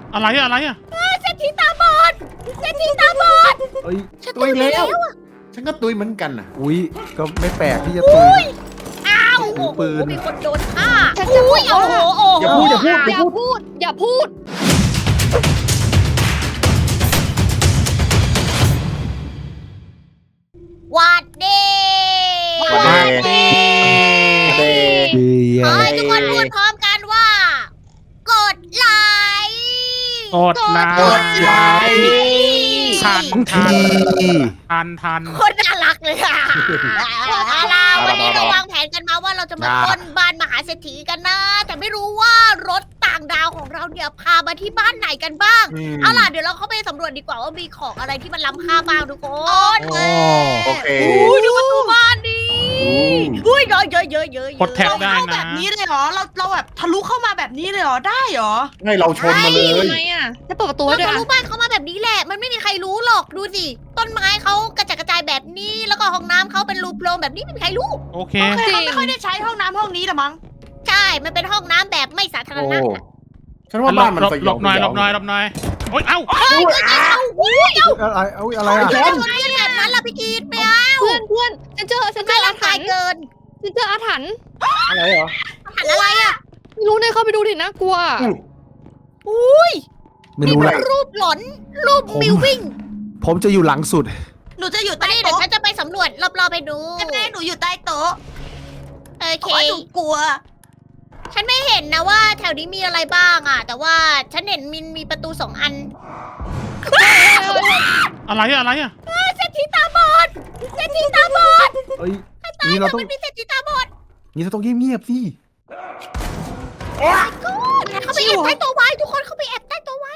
อะไรอะอะไรอะเศรษฐีตาบอดเศรษฐีตาบอดเอ้ยฉันตุยไปแล้วอะฉันก็ตุยเหมือนกันน่ะอุ้ยก็ไม่แปลกที่จะตุยอ้าวถืโอ้อโหปืนมีคนโดนฆ่าฉันจะบอกโอ้โหโอ้โหอย่าพูดอย่าพูดอย่าพูด อย่าพูดหวัดดีหวัดดีขอให้ทุกคนพูดพร้อมกันว่า กดไลค์กดไลกดไลค์ทันทุกทัทีทันคนน่ารักเลยค่ะเอาล่ะวันนี้เราวางแผนกันมาว่าเราจะมาปล้นบ้านมหาเศรษฐีกันนะ แต่ไม่รู้ว่ารถต่างดาวของเราเนี่ยพามาที่บ้านไหนกันบ้าง เอาล่ะเดี๋ยวเราเข้าไปสำรวจดีกว่าว่ามีของอะไรที่มันล้ำค่าบ้างทุกคนโอเคอุ้ยดูประตูบ้านดิอุ้ยเยอะเยอะเยอะเยอะกดแท็บได้เข้าแบนะบนี้เลยเหรอ เราแบบทะลุเข้ามาแบบนี้เลยเหรอ ได้เหรอให้เราชนมาเลยทำไมอ่ะจะเปิดประตูเราให้ด้วยจะอ่ะรู้บ้านเขามาแบบนี้แหละ มันไม่มีใครรู้หรอกดูสิต้นไม้เขากระจัดกระจายแบบนี้ แล้วก็ห้องน้ำเขาเป็นรูโพรงแบบนี้ไม่มีใครรู้โอเคโอเคเขาไม่ค่อยได้ใช้ห้องน้ำห้องนี้หรอมั้งใช่ มันเป็นห้องน้ำแบบไม่สาธารโอ้ณะฉันว่าบ้านมันสยหลองบหน่อยสหลยองบหน่อยหลบหน่อยโอ๊ยเอ้าอะไรเอาอะไรอ่ะทำไมคนเล่นแบบนั้นล่ะพี่กีดไม่เอาเพื่อนฉันเจอทำไมอาร่างถรกายรพ์เกินฉันเจออาถรรพ์อะไรเหรอหันอะไรอ่ะไม่รู้เนี่ยเข้าไปดูดิน่ากลัวอุ้ยไม่นี่รู้มัแหละนรูปหลอนรูปมิววิ่งผมจะอยู่หลังสุดหนูจะอยู่มาใต้ดิเดี๋ยวโต๊ะฉันจะไปสำรวจรอบๆไปดูแม่หนูอยู่ใต้โต๊ะโอเพเคราะว่าหนูกลัวฉันไม่เห็นนะว่าแถวนี้มีอะไรบ้างอ่ะ แต่ว่าฉันเห็นมีประตู2 อันอะไรอะอะไรอะเศรษฐีตาบอดเศรษฐีตาบอดเอ้ยตายนี่แล้เราวต้องมันมีเศรษฐีตาบอดนี่เราต้องเงียบๆสิเขาไปแอบใต้โต๊ะไว้ทุกคนเขาไปแอบใต้โต๊ะไว้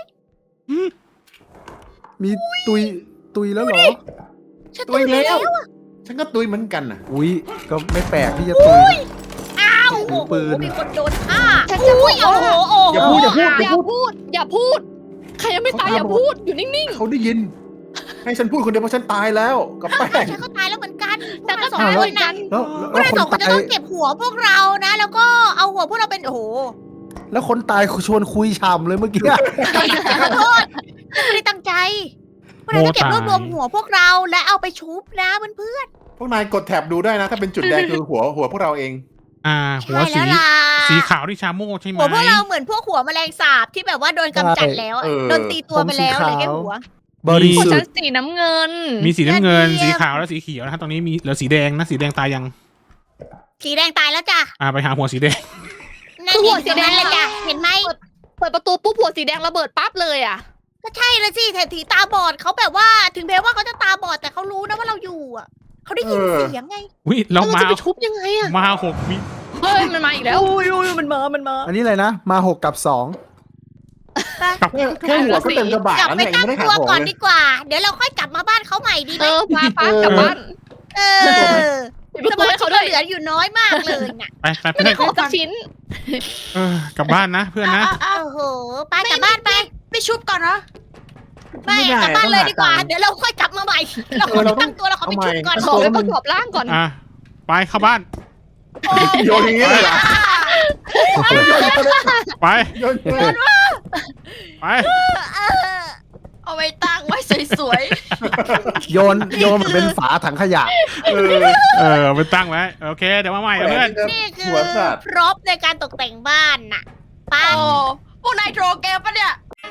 มีตุยแล้วเหรอฉันตุยไปแล้วอะฉันก็ตุยเหมือนกันน่ะอุ้ยก็ไม่แปลกที่จะตุยอ้าวถืโอ้อโหปืนมีคนโดนฆ่าฉันจะบอกโอ้ว่าโหโอ้โหอย่าพูดอย่าพูดอย่าพูด อย่าพูด ใครยังไม่ตายอย่าพูด อยู่นิ่งเขาได้ยิน ให้ฉันพูดคนเดียวเพราะฉันตายแล้วกับแป้งฉันก็ตายแล้วเหมือนกันๆ แต่ก็สองตายคเหมืนอนกันะนพวกแล้วเราคนสองคนจะตายต้องเก็บหัวพวกเรานะ แล้วก็เอาหัวพวกเราเป็นโอ้โหแล้วคนตายชวนคุยฉ่ำเลยเมื่อกี้ขอโทษไม่ได้ตั้งใจพวกเราจะเก็บรวบรวมหัวพวกเราและเอาไปชุบนะเพื่อนพวกนายกดแท็บดูได้นะ ถ้าเป็นจุดแดงคือหัวพวกเราเองๆหัวใช่สีแล้วล่ะสีขาวที่ชาโม่ใช่ไหมหัวพวกเราเหมือนพวกหัวแมลงสาบที่แบบว่าโดนกำจัดแล้วอะเออโดนตีตัวไปแล้วเลยแค่หัวบริของสุฉัทนธิ์สีน้ำเงินมีสีน้ำเงินยอดเยี่สียมขาวและสีเขียวนะฮะตรงนี้มีเหลือสีแดงนะสีแดงตายยังสีแดงตายแล้วจ้ะไปหาหัวสีแดงนั่นหัหัววสีสีแดแดงงเลยจ้ะเห็นไหมเปิดประตูปุ๊บหัวสีแดงระเบิดปั๊บเลยอ่ะก็ใช่เลยสิเศรษฐีตาบอดเขาแบบว่าถึงแม้ว่าเขาจะตาบอดแต่เขารู้นะว่าเราอยู่อ่ะเขาได้ยินเสียงไงวิเราแล้วเรามาจะไปชุบยังไงอ่ะมา6 วิเฮ้ย มันมาอีกแล้วอุ้ยมันมาอันนี้อะไรนะ มา6 กับแค่หัวก็เต็มกระบะกลับแล้วไปเนี่ยยังตั้งไม่ได้หาตัวของก่อนเลยดีกว่า เดี๋ยวเราค่อยกลับมาบ้านเขาใหม่ดีไหเอมอพากลับบ้านเออปิดประสตูมาให้ชิเขากด้วยเหลืออยู่น้อยมากเลยน่ะไปไม่ได้ของสักชิ้นกลับบ้านนะเพื่อนนะโอ้โหไปกลับบ้านไปไปชุบก่อนนะไปกลับบ้านเลยดีกว่า เดี๋ยวเราค่อยกลับมาใหม่ เราขอไปตั้งตัวเราขอไปชุบก่อนขอไปประกอบร่างก่อนไปเข้าบ้านโยนอย่างนี้เลยเหรอไปโยนไปเอาไว้ตั้งไว้สวย 2 โยนมันเป็นฝาถังขยะไปตั้งไว้โอเคเดี๋ยวมาใหม่เพื่อนนี่คือหัวสัตว์พร็อพในการตกแต่งบ้านน่ะๆไปโอ้พวกนายโทรเกมปะเนี่ย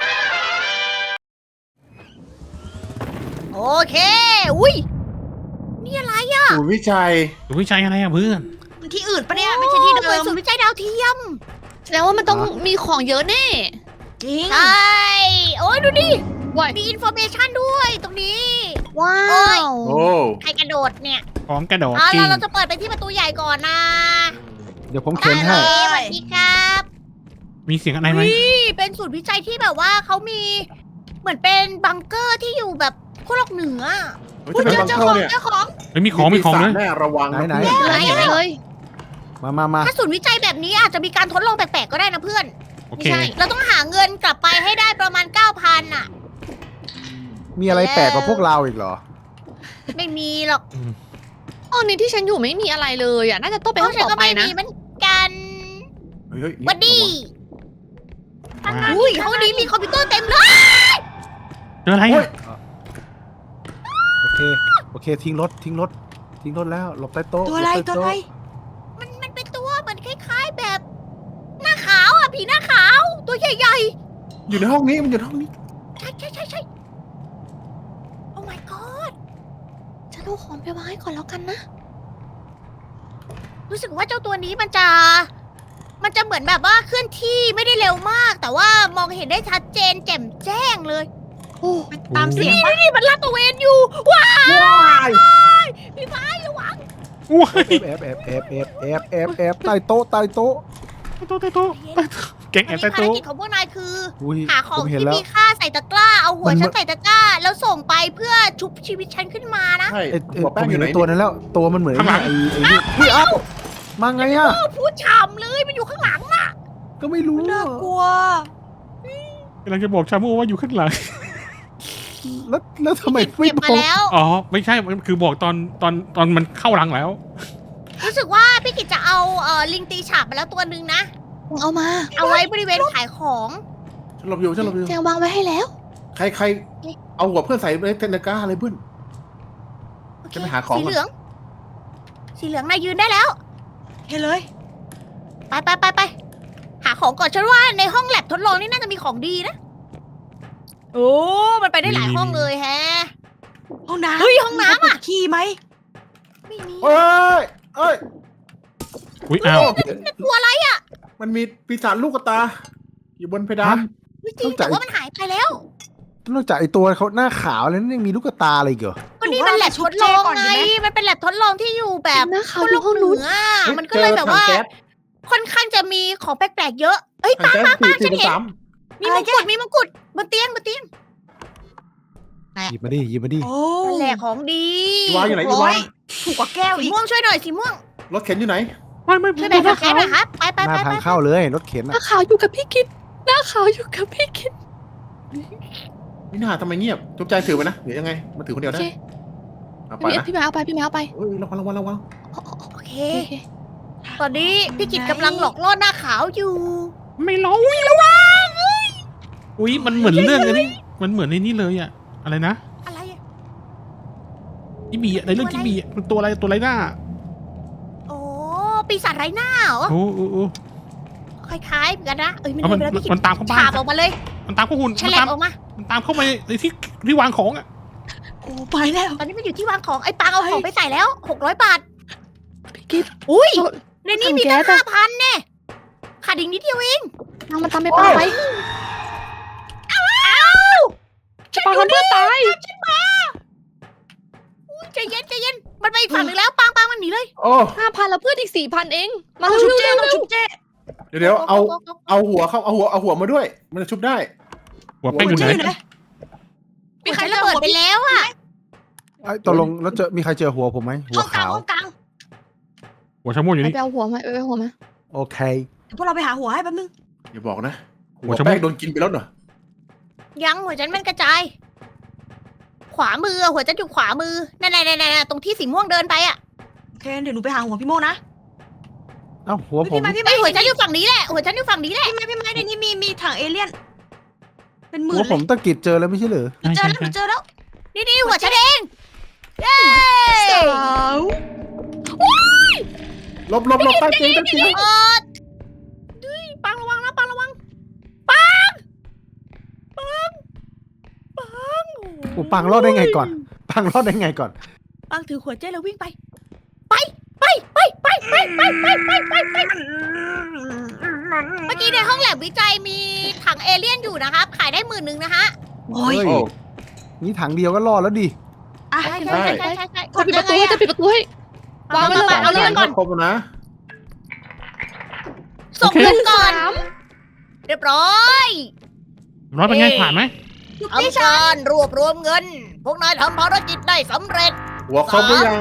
โอเค อุ้ย นี่อะไรอ่ะศูนย์วิจัยดูวิจัยอะไรอะเพื่อนมันที่อื่นปะเนี่ยไม่ใช่ที่เดิหมือนมศูนย์วิจัยดาวเทียมแสดงว่ามันต้องมีของเยอะแน่จริงใช่ โอ้ยดูดิว้ายมีอินโฟเมชันด้วยตรงนี้ว้าโอ้ยวโอ้ใครกระโดดเนี่ยพร้อมกระโดดเอาจริล่ะงเราจะเปิดไปที่ประตูใหญ่ก่อนนะเดี๋ยวผมเข็นให้ได้เลยสวัสดีครับมีเสียงอะไรไหมนี่เป็นศูนย์วิจัยที่แบบว่าเขามี เหมือนเป็นบังเกอร์ที่อยู่แบบขั้วโลกเหนือจะเป็นบังเกอร์เนี่ยเจ้าของเฮ้ยมีของเลยแน่ระวังนะไหนไหนเลยมาถ้าศูนย์วิจัยแบบนี้อาจจะมีการทดลองแปลกๆก็ได้นะเพื่อนโอเคไม่ใช่เราต้องหาเงินกลับไปให้ได้ประมาณ 9,000อ่ะมีอะไรแปลกกว่าพวกเราอีกเหรอไม่มีหรอกห้องนี้ที่ฉันอยู่ไม่มีอะไรเลยอ่ะ น่าจะต้องไปห้องฉันต่ก็อไปไม่นะมีเหมือนกันเฮ้ยวัดดีมาอุ้ยห้องนี้มีคอมพิวเตอร์เต็มเลยเจออะไรโอ้ยอ่ะโอเคทิ้งรถแล้วหลบใต้โต๊ะตัวอะไรหลบตัวใต้อะไรโมันเป็นตัวเหมือนคล้ายๆแบบ หน้าขาวอ่ะผีหน้าขาว ตัวใหญ่อยู่ในห้องนี้มันอยู่ในห้องนี้ๆ ใช่ โอ้ my god ฉันเอาของไปวางให้ก่อนแล้วกันนะรู้สึกว่าเจ้าตัวนี้มันจะเหมือนแบบว่าเคลื่อนที่ไม่ได้เร็วมาก แต่ว่ามองเห็นได้ชัดเจนแจ่มแจ้งเลยโอ้ไปตามเสียงปะนี่มันลาดตระเวนอยู่ ว้าวว้ายพี่ไม้ระวังอุ้ยแอบใต้โต๊ะโต๊ะเก่งแออันบนี้ใต้ภารโต๊ะกิจของพวกนายคืออุ้ยหาขอผงมเห็นที่แล้วมีค่าใส่ตะกร้า เอาหัวมันฉันใส่ตะกร้า แล้วส่งไปเพื่อชุบชีวิตฉันขึ้นมานะใช่ไอ้หัวผแป้งมอเห็ยู่นไหนไอ้ตัวนั้นแล้ว ตัวมันเหมือนไอ้นี่อุ้ยเอ้ามาไงอ่ะพูดฉ่ำเลยมันอยู่ข้างหลังน่ะก็ไม่รู้น่ากลัวกำลังจะบอกชาโม่ว่าอยู่ข้างหลังแล้วทำไมเก็ไม่บบ มาอกแล้วอ๋อ ไม่ใช่ มันคือบอกตอนมันเข้าหลังแล้วรู้สึกว่าพี่กิจจะเอาลิงตีฉาบมาแล้วตัวหนึ่งนะเอามาเอาไว้บริเวณขายของฉันหลบอยู่แจงวางไว้ให้แล้วใครเอาหัวเพื่อนใส่ในเทนกาอะไรเพื่อนโอเคจะไปหาของก่อนสีเหลือง สีเหลืองนายยืนได้แล้วเฮ้ยเลยไปหาของก่อนฉันว่าในห้องแลบทดลองนี่น่าจะมีของดีนะ โอ้มันไปได้หลายห้องเลยแฮะห้องน้ำเฮ้ยห้องน้ำอะมีขี้ไหมไม่มีเอ้ยอุ้ยอ้าวกลัวอะไรอ่ะมันมีปีศาจลูกกระตา อยู่บนเพดานไม่จริงแต่ว่ามันหายไปแล้วนอกจากไอ้ตัวเขาหน้าขาวแล้วนั่นยังมีลูกตาอะไรอีกเหรอก็นี่มันแลบทดลองไง มันเป็นแลบทดลองที่อยู่แบบหน้าขาวขั้วอโลยู่กห้องเหนู้นนืออะมันก็เลยแบบว่าเจอถังแก๊สค่อนข้างจะมีของแปลกๆเยอะ เอ้ยถังปังแก๊สฉันเห็น 4-3 มีมงกุฎมีมงกุฎบนเตียงหยิบมาดิโอ้นั่นแหละของดีอีวาอยู่ไหนอีวาถูกกว่าแก้วสีอีกม่วงช่วยหน่อยสีม่วงรถเข็นอยู่ไหนไม่ช่วยแบ่งกับแกหน่อยครับไปหน้าทางเข้าเลยรถเข็นหอะน้าขาวอยู่กับพี่กิดหน้าขาวอยู่กับพี่กิดนี่น่าทำไมเงียบจุ๊บใจถือไปนะเดี๋ยวยังไงมาถือคนเดียวโอได้เคเอาไปพี่นะพี่แมวเอาไปพี่แมวเอาไปเอ้ยระวังโอเคโอเคตอนนี้พี่กิจกำลังหลอกล่อหน้าขาวอยู่ไม่ร้องอุ้ยมันเหมือนเรื่องอันนี้มันเหมือนในนี้เลยอะอะไรนะอะไรอะที่บีอะในเรื่องที่บีอะมันตัวอะไรหน้าโอ้ปีศาจไร้หน้าเหรอโอ้คล้ายๆเหมือนกันนะเอ้ยมันเอาเดินไปแล้วพี่กิจมันตามเข้าบ้าฉาน บออกมาเลยมันตามเข้าหุ่นฉมันลัตาบมออกมามันตามเข้าไปในที่วางของอะโอ้ไปแล้วตอนนี้มันอยู่ที่วางของไอ้ปังเอาของไปใส่แล้ว600 บาทพี่กิดอุ้ยในนี้มีถัตั้งงแก๊สอะ 5,000เนี่ยขาดอีกนิดเดียวเองนางมันตามไปปังไปจะปังทำเพื่อตายใจเย็นมันไปอีกฝั่งหนึ่งแล้วปังมันหนีเลยโอ้ 5,000แล้วเพื่อนอีก 4,000 เองมาต้องเร็ชุบวเจ้ๆต้องเร็วชุบเจ้เดี๋ยวเอาหัวเข้าเอาหัวมาด้วย มันจะชุบได้หัวแป้งอยู่ไหนเจ้อยู่ไหนมีใครระเบิดไปแล้วอ่ะไอ้ตกลงแล้วมีใครเจอหัวผมไหมหัห้วองกลางขาวห้องกลางหัวชาโม่อยู่ไปนี่เอาหัวมาไปเอาหัวมาโอเคเดี๋ยวพวกเราไปหาหัวให้แป๊บนึงอย่าบอกนะหัหัววชะมดแป้งโดนกินไปแล้วเหรอยังหัวฉันมันกระจาย ขวามือหัวฉันอยู่ขวามือนั่นตรงที่สีม่วงเดินไปอ่ะโอเคเดี๋ยวหนูไปหาหัวพี่โมนะเอ้าหัวผมพี่ไม้ไอ้ยหัวฉันอยู่ฝั่งนี้แหละหัวฉันอยู่ฝั่งนี้แหละพี่ไม้ในนี้มีถังเอเลี่ยน เป็นหมื่หัวนเลผมยตะกิดเจอแล้วไม่ใช่เหรอเจอแล้วหนูเจอแล้วนี่หัวฉันเองเย้สาวลบใต้เตียงดุยปังระวังนะปังกูปังรอดได้ไงก่อน ปังรอดได้ไงก่อนปังถือหัวเจ้แล้ววิ่งไปเมื่อกี้ในห้องแลบวิจัยมีถังเอเลี่ยนอยู่นะครับ ขายได้10,000นะฮะโอ้ยเฮ้ยโอ้นี่ถังเดียวก็รอดแล้วดิอ่ะใช่ได้จะปิดประตูให้จะปิดประตูให้ วางไว้เลยเอาเรื่องก่อนครบแล้วนะส่งเงินก่อน เรียบร้อยร้อยเป็นไงผ่านไหมทำการรวบรวมเงิน พวกนายทำภารกิจได้สำเร็จหัวครบหรือยัง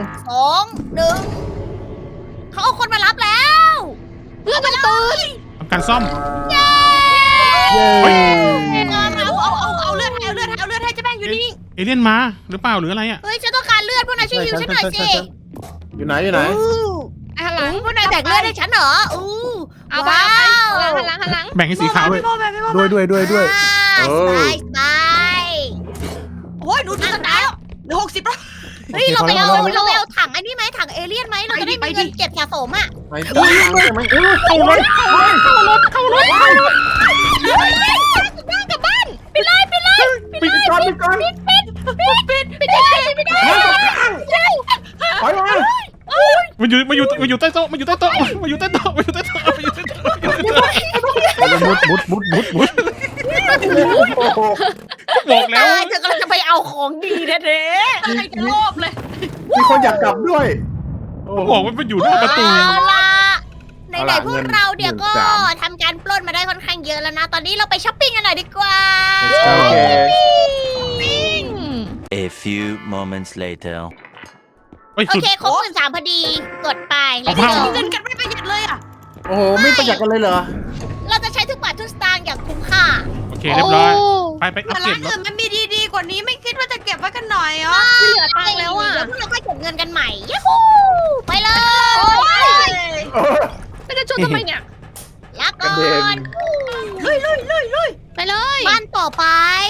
2 1เขาเอาคนมารับแล้วเพื่อนมันตื่นทำการซ่อมเย้เอาเลือดให้เจะแป้งอยู่นี่เอเลี่ยนมาหรือเปล่าหรืออะไรอะเฮ้ยฉันต้องการเลือดพวกนายช่วยฮิวฉันหน่อยสิอยู่ไหนอู้อะไรพวกนายแบ่งเลือดให้ฉันเหรออู้เอาไปหันหลังแบ่งให้สีขาวด้วยพี่โมแบบพี่โมด้วยสบายโอ้ยดูสตาร์แล้วเหลือ60แล้วเฮ้ยเราไปเอาถังอันนี้ไหมถังเอเลี่ยนไหมเราจะได้มีเงินเก็บสะสมอ่ะไปดูไหมเข้ารถกลับบ้านไปเลยปิดก่อนไปก่อนไปได้ถอยมามันอยู่ใต้โต๊ะมันอยู่ใต้โต๊ะมุดบอกแล้วเธอกำลังจะไปเอาของดีแท้ใครจะโลภเลยมีคนอยากกลับด้วยบอกว่ามันอยู่หน้าประตูเอาล่ะไหนเอาล่ะๆพวกเราเนี่ยก็ 13,000 ทำการปล้นมาได้ค่อนข้างเยอะแล้วนะ ตอนนี้เราไปช้อปปิ้งกันหน่อยดีกว่าโอเค A few moments later. เฮ้ยโอสุดเคครบ13,000พอดี กดไปแล้วเอาก็เข้าเงินกันไม่ประหยัดเลยอ่ะโอ้โหไม่ประหยัดกันเลยเหรอเราจะใช้ทุกบาททุกสตางค์อย่างคุ้มค่าโอเคเรียบร้อยไปอัแต่ปเกรร้าดนรอื่ถนมันมีดีๆกว่านี้ไม่คิดว่าจะเก็บไว้กันหน่อยเหรอไม่เหลือตังค์แล้วอ่ะเดี๋ยวพวกเราค่อยเก็บเงินกันใหม่ยูฮูไปเลยไม่ได้ชวนทำไมเนี่ยลาก่อกระเด็นนไปเลยบ้านต่อไป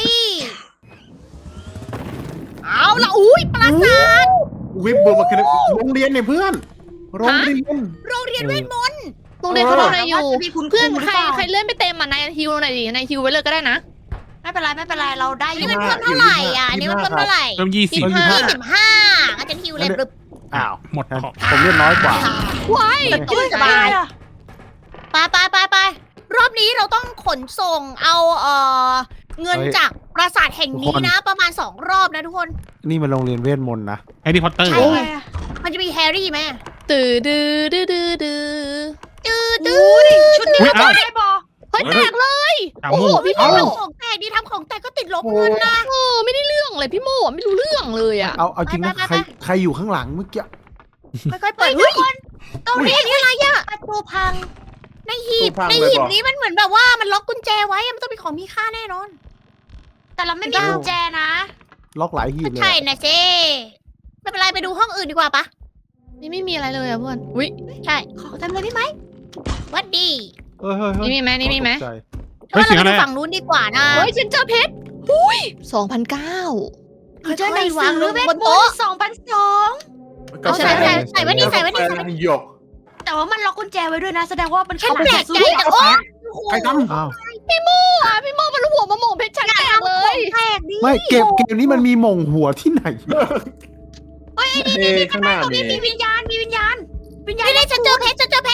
เอาละอุ้ยปราสาทวิบเบอร์มาคือโรงเรียนเนี่ยเพื่อน โรงเรียนโรงเรียนเวทมนต์โรงเรียนเขาทำอะไรอยู่มีคุณเพื่อนหรือใครเปล่าใครเลื่อนไปเต็มอ่ะนายฮิวหน่อยดินายฮิวไว้เลยก็ได้นะไม่เป็นไรเราได้อนี่ยู่มันเพิ่มเท่าไหร่อ่ะนี่มันเพิ่มเท่าไหร่เริ่ม20 25อาจารย์ฮิวเลยปึ๊บอ้าวหมดของผมเลือดน้อยกว่าว้ายสบายไปรอบนี้เราต้องขนส่งเอาเงินเฮ้ยจากปราสาทแห่งนี้ทุกคนนะ ประมาณ2รอบนะทุกคนนี่มันโรงเรียนเวทมนต์นะแฮร์รี่พอตเตอร์ใช่ มันจะมีแฮร์รี่ไหมตื่นดื้อดื้อดื้อดื้อตื้อชุดนี้ก็ได้บอเฮ้ยแตกเลยถามโอ้มูโหพี่โมทำของแตกดีทำของแตกก็ติดลบเงินนะไม่ได้เรื่องเลยพี่โมไม่รู้เรื่องเลยอ่ะเอาจริงนะไปใครอยู่ข้างหลังเมื่อกี้ค่อยๆเปิดเฮ้ยตรงนี้นี่อะไรอ่ะประตูพังในหีบตู้พังในเลยหีบบอกนี้มันเหมือนแบบว่ามันล็อกกุญแจไว้อะมันต้องเป็นของมีค่าแน่นอนแต่เราไม่มีกุญแจนะล็อกหลายหีบเลยใช่อะนะเจ๊ไม่เป็นไรไปดูห้องอื่นดีกว่าปะนี่ไม่มีอะไรเลยอ่ะเพื่อนอุ้ยใช่ขอทำเลยพี่ไหมวัดดีเฮ้ยนี่มีไหมนี่มีไหมตกใจเฮ้ยว่าเสียงเราอะไรไปดูฝั่งนู้นดีกว่านะเฮ้ยฉันเจอเพชรอุ้ย2,900 เจอหนังสือเวทมนต์2,200 เอาใส่ไว้นี่ใส่ไว้นี่ใส่ไว้นี่หยกแต่ว่ามันล็อกกุญแจไว้ด้วยนะ แสดงว่ามันฉันเข้าแปลกใจแต่โอ้ใครทอ้าวพี่โมมันหัวมาหม่งเพชรฉันแตกเลยแปลกดิไม่เกมนี้มันมีหม่งหัวที่ไหนำข้างหน้าตรงมีนี้มีวิญญาณวิญญาณนี่เลยฉันเจอเพชร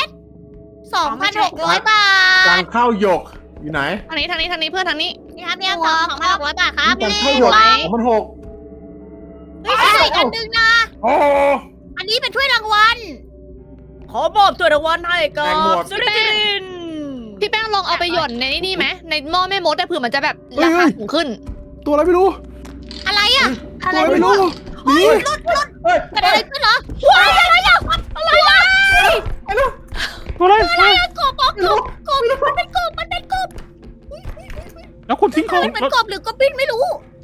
2,600 บาทาทงเข้าหยกอยู่ไหนทางนี้เพื่อนทางนี้นี่ครับเนี่ย2,600 บาทครับทางเข้าหยก2,600 เฮ้ยใส่อันนึงนะโอ้อันนี้เป็นถ้วยรางวัล ขอมอบถ้วยรางวัลให้กับแตงหมดสุริจินพี่แป้งลองเอาไปหย่อนในนี่ไหมในหม้อแม่มดแต่เผื่อมันจะแบบราคาสูงขึ้นตัวอะไรไม่รู้อะไรอ่ะตัวอะไรไม่รู้นี่เฮ้ยเกิดอะไรขึ้นเหรอว้ายอะไรอ่ะอะไรวะตัวอะไรอะไรอ่ะกบอ๋อกบมันเป็นกบมันเป็นกบแล้วคุณทิ้งของมันเป็นกบหรือกบบินไม่รู้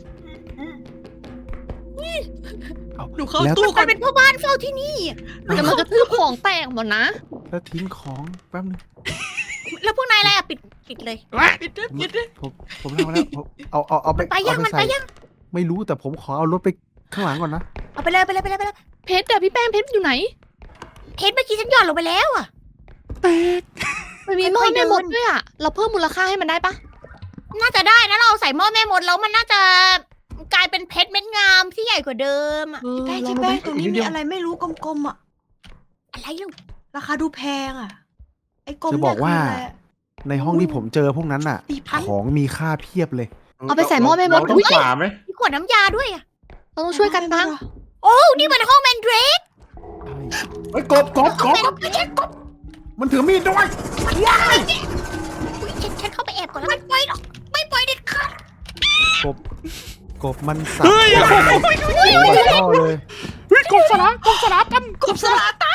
หนูเข้าแล้วตู้มันเป็นพ่อบ้านเฝ้าที่นี่แต่มันกระทืบของแตกหมดนะแล้วทิ้งของแป๊บนึงแล้วพวกนายอะไรอ่ะปิดเลยปิดด้วยปิดด้วยผมทำมาแล้วเอาไปไปยังเอามันใส่ไปยังไม่รู้แต่ผมขอเอารถไปข้างหลังก่อนนะเอาไปเลยเพชรอะพี่แป้งเพชรอยู่ไหนเพชรเมื่อกี้ฉันหย่อนลงไปแล้วอ่ะมันมีหม้อแม่มดด้วยอะเราเพิ่มมูลค่าให้มันได้ปะน่าจะได้นะเราใส่หม้อแม่มดแล้วมันน่าจะกลายเป็นเพชรเม็ดงามที่ใหญ่กว่าเดิมอะแป้งที่แป้งตรงนี้มีอะไรไม่รู้กลมๆอ่ะอะไรลูกราคาดูแพงอ่ะ ไอ้กลมจะบอกว่าในห้องที่ผมเจอพวกนั้นน่ะ 4,000 ของมีค่าเพียบเลยเอาไปใส่หม้อแม่มดเราต้องฝ่าไหมมีขวดน้ำยาด้วยอ่ะเราต้องช่วยกันบ้างโอ้นี่มันห้องแมนเดรกเฮ้ยกบไม่ใช่กบมันถือมีดด้วยอุ๊ยฉันเข้าไปแอบก่อนแล้วไม่ปล่อยหรอกไม่ปล่อยเด็ดขาดกบมันสับเฮ้ยหัวท่อเลยเฮ้ยกบสลามกันกบสลาตัน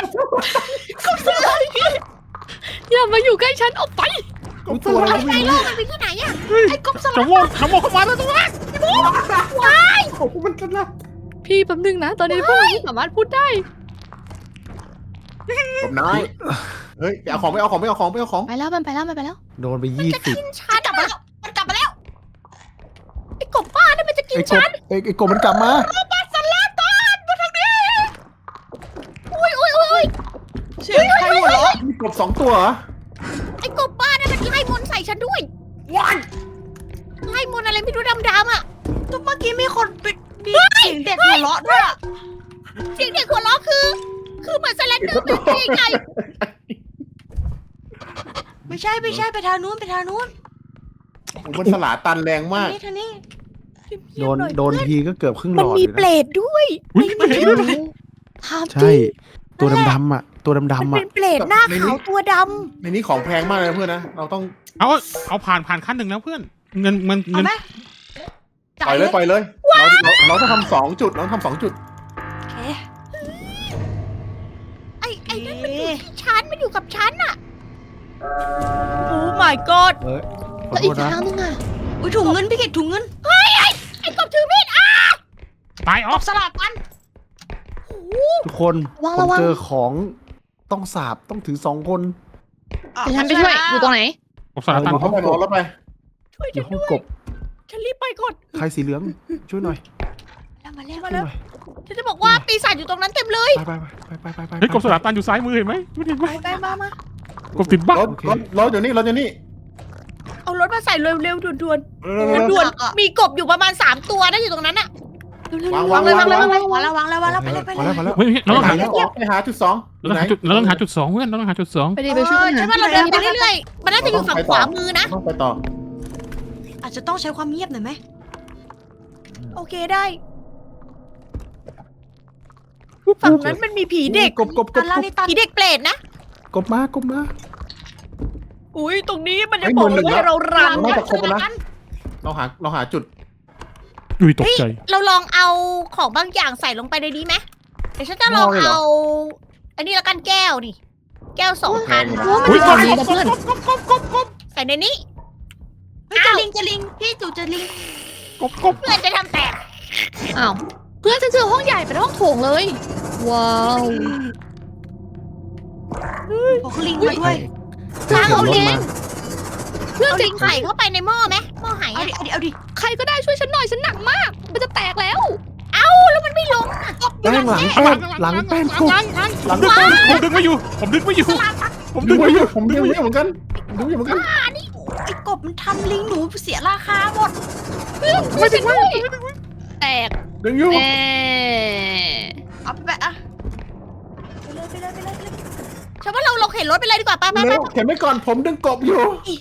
อย่ามาอยู่ใกล้ฉันออกไปอุ๊ยตัวอะไรก็ไอ้ไม่โลรู้กมันไปที่ไหนอะไอ้กบสจะลาโวน้ำโมเข้ามาแล้วตัวกบมันกันละพี่แป๊บนึงนะ ตอนนี้พวกเราไม่สามารถพูดได้กบน้อยเฮ้ยไปเอาของไปเอาของไปเอาของไปเอาของไปแล้วมันไปแล้วมันไปแล้วโดนไปมันจะ 20 กินฉันกลับมาแล้วมันกลับมาแล้วไอ้กบบ้านั่นมันจะกินไอ้กฉับนไอ้กบมันกลับมาอุ้ยเสียงใครหัวเราะมีกบ2ตัวเหรอไอ้กบบ้านั่นมันไล่มนต์ใส่ฉันด้วยวันไล่มนต์อะไรไม่รู้ดำๆอ่ะตัวเมื่อกี้มีคนปิดมีเสียงเด็กหัวเราะด้วยอะเสียงเด็กหัวเราะคือเหมือนสแลนเดอร์เป็นตัวใหญ่ไม่ใช่ไปทางนู้นไปทางนู้นมันสลาตันแรงมากทางนี้โดนทีก็เกือบครึ่งหลมันอดมีเลยเปรนะตด้วยอุ้ยไม่เห็นด้วยถามจใช่ริงตัวดำๆอ่ะ ตัวมันดำๆเป็อ่ะนเปรตหน้าขาวตัวดในนี้ของแพงมากเลยนะเพื่อนนะเราต้องเอาผ่านขั้นหนึ่งแล้วเพื่อน เงินเอาไหมปล่อยเลยปล่อยเลยเราต้องทำ2 จุดเราต้องทำ2 จุดโอเคำไอ้นั่นมันอยู่ที่ฉันมันอยู่กับฉันอ่ะโอ้ my god เฮ้ยขอแล้วโทอีษกนะทางนึงอ่ะอุ้ยถุงเงินพี่เกดถุงเงินไอ้กบถือมีดอ่ะตายออออก กสลัดกันทุกคนผมเจอของต้องสาบต้องถือ2 คนเดี๋ยวฉันไปช่วยอยู่ตรงไหนผมสารตันเอาเข้าไปรอแล้วไปช่วยอยู่ฉันห้องด้วยกบฉันรีบไปก่อนใครสีเหลืองช่วยหน่อยมาแล้วมาช่วยแล้วหน่อยฉันจะบอกว่าปีศาจอยู่ตรงนั้นเต็มเลยไปเฮ้ยกบสารตันอยู่ซ้ายมือเห็นไหมไม่เห็นไหมไปมากบติดบ้ารถอยู่นี่รถอยู่นี่เอารถมาใส่เร็วๆด่วนเร็วๆด่วนๆมีกบอยู่ประมาณ3ตัวนะอยู่ตรงนั้นอ่ะวางเลยวางแล้วไปเลยพอแล้วพอแล้วเฮ้ยเราต้องหาไปหาจุด 2 เราต้องหาจุด2เพื่อนเราต้องหาจุด2 ไปดีไปช่วยฉันหาว่าเราเดินไปเรื่อยๆมันน่าจะอยู่ฝั่งขวามือนะต้องไปต่ออาจจะต้องใช้ความเงียบหน่อยไหมโอเคได้ฝั่งนั้นมันมีผีเด็กกบตันแล้วนี่ตันผีเด็กเปรตนะกบมากบมาอุ้ยตรงนี้มันจะบอกเลยว่าเรารังน่านะจะครบแล้วนะเราหาจุดอุ้ยตกใจเราลองเอาของบางอย่างใส่ลงไปในนี้ไหมเดี๋ยวฉันจะลองเอา อันนี้ละกันแก้วนี่ แก้ว2 อันโอ้มันมีของดีนะเพื่อนใส่ในนี้เฮ้ยจะลิงพี่จู่จะลิงเพื่อนจะทำแตกอ้าวเพื่อนฉันเจอห้องใหญ่เป็นห้องโถงเลย ว้าวโอ้ลิงมาด้วยเขียนรถมาเพื่อนเอาจะลิงไข่เข้าไปในหม้อไหมหม้อไหเอาดิใครก็ได้ช่วยฉันหน่อยฉันหนักมาก มันจะแตกแล้วแล้วมันไม่ลงแป้งหลังแป้งหลังแป้งกบผมดึงไม่อยู่ผมดึงไม่อยู่ดูอยู่ผมดูอยู่เหมือนกันดูอยู่เหมือนกันไอ้กบมันทำลิงหนูเสียราคาหมดไม่ถึงด้วยแตกดึงอยู่แน่เอาไปอะไปเลยฉันว่าเราเข็นรถไปเลยดีกว่าไปเร็วเข็นไว้ก่อนผมดึงกบอยู่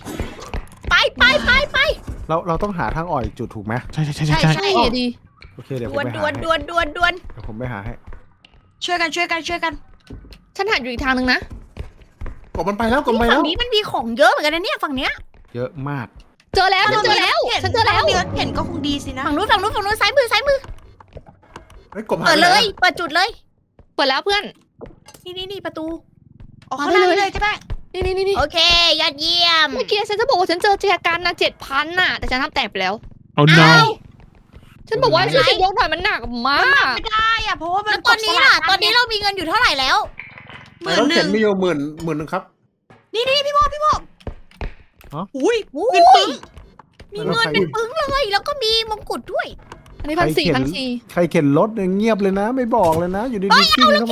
ไปเราต้องหาทางอ่อยจุดถูกไหมใช่ใช่ดีโอเคเดี๋ยวดผมวนไปดหาวนให้ดวนดวนดวนเดี๋ยวผมไปหาให้ช่วยกันฉันหันอยู่อีกทางนึงนะกบมันไปแล้วกบไปฝั่แล้งวนี้มันมีของเยอะเหมือนกันนะเนี่ยฝั่งเนี้ยเยอะมากเจอแล้วฉันเจอแล้วฉันเจอแล้วมีรถเข็นก็คงดีสินะฝั่งนู้นซ้ายมือเฮ้ยกบหาเปิดไปเลไหนยเปิดจุดเลยเปิดแล้วเพื่อนนี่ประตูออกข้างหน้าเลยใช่ไหมนี่โอเคยอดเยี่ยมเมื่อกี้ฉันจะบอกว่าฉันเจอแจกันนะ7,000น่ะ แต่ฉันทำแตกไปแล้วเอาน้ฉันบอกว่าช่วยฉันยกหน่อยมันหนักมากไม่ได้อะเพราะว่ามัแล้นวตอนนี้ล่ะตอนนี้เรามีเงินอยู่เท่าไหร่แล้วรถเข็นมีอยู่หมื่นนึงครับนี่พี่โมอุ้ยอุ้เงินปึ้ยงมีเงินเป็นปึ้งเลยแล้วก็มีมงกุฎด้วยอันนี้1,400 ใครเข็นรถเนี่ยเงียบเลยนะ ไม่บอกเลยนะ อยู่ดีๆกิ้งเข้ามา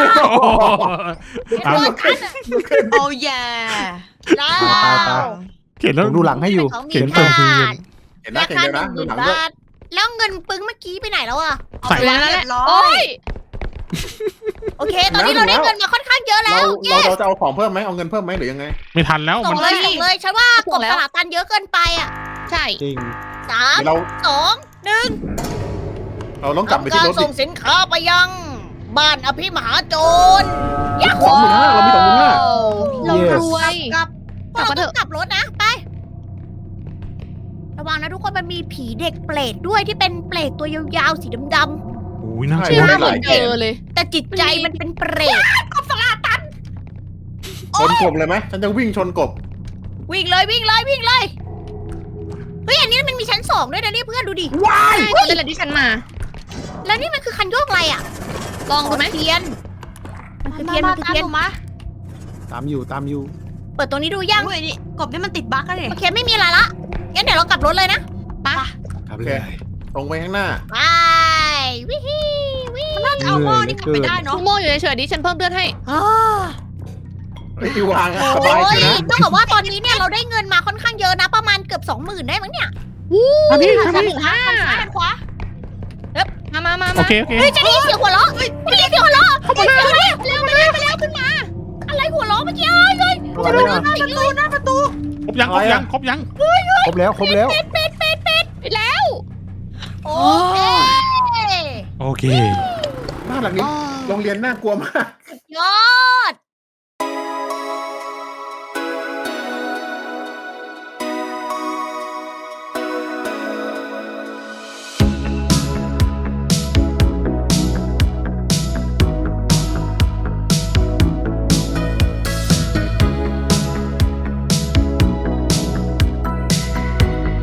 ำโอ้ยแล้วเขียนแล้วผมดูหลังให้อยู่ของมีเขียนค่าเติมเห็นนะราเห็นคาเดียวนะดู 10,000 หลังด้วยบาทแล้วเงินปึ้งเมื่อกี้ไปไหนแล้วอะใส่แล้วนั่นแหละร้อโอ้ยยโอเค ตอนนี้เราได้เงินมาค่อนข้างเยอะแล้วเราจะเอาของเพิ่มไหมเอาเงินเพิ่มไหมหรือยังไงไม่ทันแล้วส่มังนเลยฉันว่ากบตลาดตันเยอะเกินไปอะใช่จริง 3 เดี๋ยวเรา 2 1 เราต้องกลับไปที่ทำรการถดิส่งสินค้าไปยัง บ้านอภิมหาโจรยา 25,000เรามี25,000 เรารวยกลับกลับมาเถต้ออะงกลับรถนะไประวังนะทุกคนมันมีผีเด็กเปรตด้วยที่เป็นเปรตตัวยาวๆสีดำโอ้ยน่าชื่กอลัวว่าเหมือนเจอเลยๆแต่จิตใจมันเป็นเปรตชนกบเลยไหมฉันจะวิ่งชนกบวิ่งเลยเฮ้ยอันนี้มันมีชั้น2ด้วยนะเนี่ยเพื่อนดูดิใช่ตอนนั้นแหละที่ฉันมาแล้วนี่มันคือคันโยกอะไรอ่ะลองดูไหมเทียนมันคือเทียนมามันคือตามเทียนหนูมาตามอยู่ตามอยู่เปิดตรงนี้ดูยังอุ้ยนี่กบนี่มันติดบั๊กแล้วเนี่ยโอเคไม่มีอะไรละงั้นเดี๋ยวเรากลับรถเลยนะครับโอเลเคยตรงไปข้างหน้าไปวิฮีวิน่าจะเอาหม้อนี่กลับไปได้ทุเนาะกโมอยู่เฉยๆดิฉันเพิ่มเลือดให้เฮ้ยวางอะสโอ้บายยเลยนะต้องบอกว่าตอนนี้เนี่ยเราได้เงินมาค่อนข้างเยอะนะ ประมาณเกือบ 20,000ได้มั้งเนี่ยทางนี้ทางฉันนี้ถึงห้าซ้ายหันขวามาโอเคโอเคเฮ้ยจะได้ยินเสียงหัวเราะได้ยินเสียงหัวเราะเข้ามาเร็วเร็วขึ้นมา อะไรหัวเราะเมื่อกี้เอ้ยอะไรอ่ะหน้าประตูครบยังครบยังครบยังครบแล้วครบแล้วไปแล้วโอเคโอเคบ้านหลังนี้โรงเรียนน่ากลัวมากยอ